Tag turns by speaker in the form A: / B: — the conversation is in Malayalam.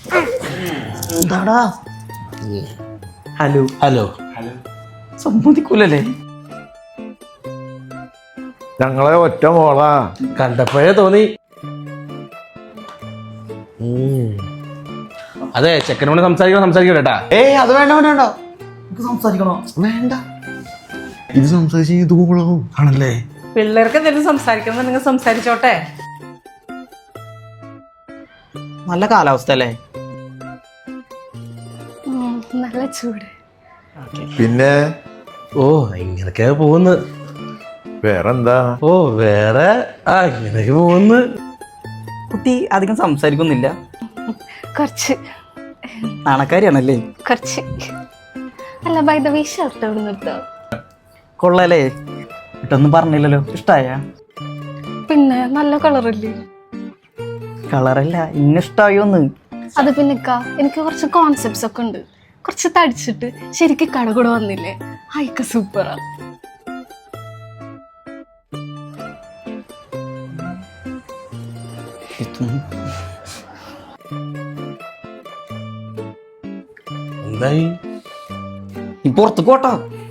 A: എന്താടാ?
B: ഹലോ
A: ഹലോ
B: സമ്മതിക്കൂലല്ലേ?
C: ഞങ്ങളെ ഒറ്റ മോളാ.
A: കണ്ടപ്പോഴേ തോന്നി. അതെ, ചെക്കനോട് സംസാരിക്കട്ടാ.
B: ഏയ് അത് വേണ്ട വേണ്ട വേണ്ട, നമുക്ക് സംസാരിക്കണോ?
C: വേണ്ട, ഇത് സംസാരിച്ച് ഇത് കൂളാവും.
A: ആണല്ലേ?
D: പിള്ളേർക്ക് എന്തെങ്കിലും സംസാരിക്കണം, നിങ്ങൾ സംസാരിച്ചോട്ടെ.
B: നല്ല കാലാവസ്ഥ അല്ലേ?
E: നല്ല ചൂട്.
C: പിന്നെ
A: ഓ, ഇങ്ങനൊക്കെ പോകുന്നു.
C: വേറെന്താ?
A: ഓ, വേറെ ഇങ്ങനെയൊക്കെ പോകുന്നു.
B: കുട്ടി അധികം സംസാരിക്കുന്നില്ല.
E: കുറച്ച്
B: നാണക്കാരിയാണല്ലേ?
E: കുറച്ച്. അല്ല, ബൈ ദ വേ ഷർട്ട് എവിടെ നിർത്താം?
B: കൊള്ളാലേ? ഇട്ടൊന്നും പറഞ്ഞില്ലല്ലോ. ഇഷ്ടായ?
E: പിന്നെ നല്ല കളറല്ലേ?
B: കളറല്ല, ഇഷ്ടായോന്ന്.
E: അത് പിന്നെ എനിക്ക് കുറച്ച് കോൺസെപ്റ്റ്സ് ഒക്കെ ഉണ്ട്. കുറച്ച് തടിച്ചിട്ട് ശരിക്കും കട കൂടെ വന്നില്ലേ, അയക്ക സൂപ്പറാ.
A: എന്തായി?
B: നീ പുറത്ത് പോട്ടോ.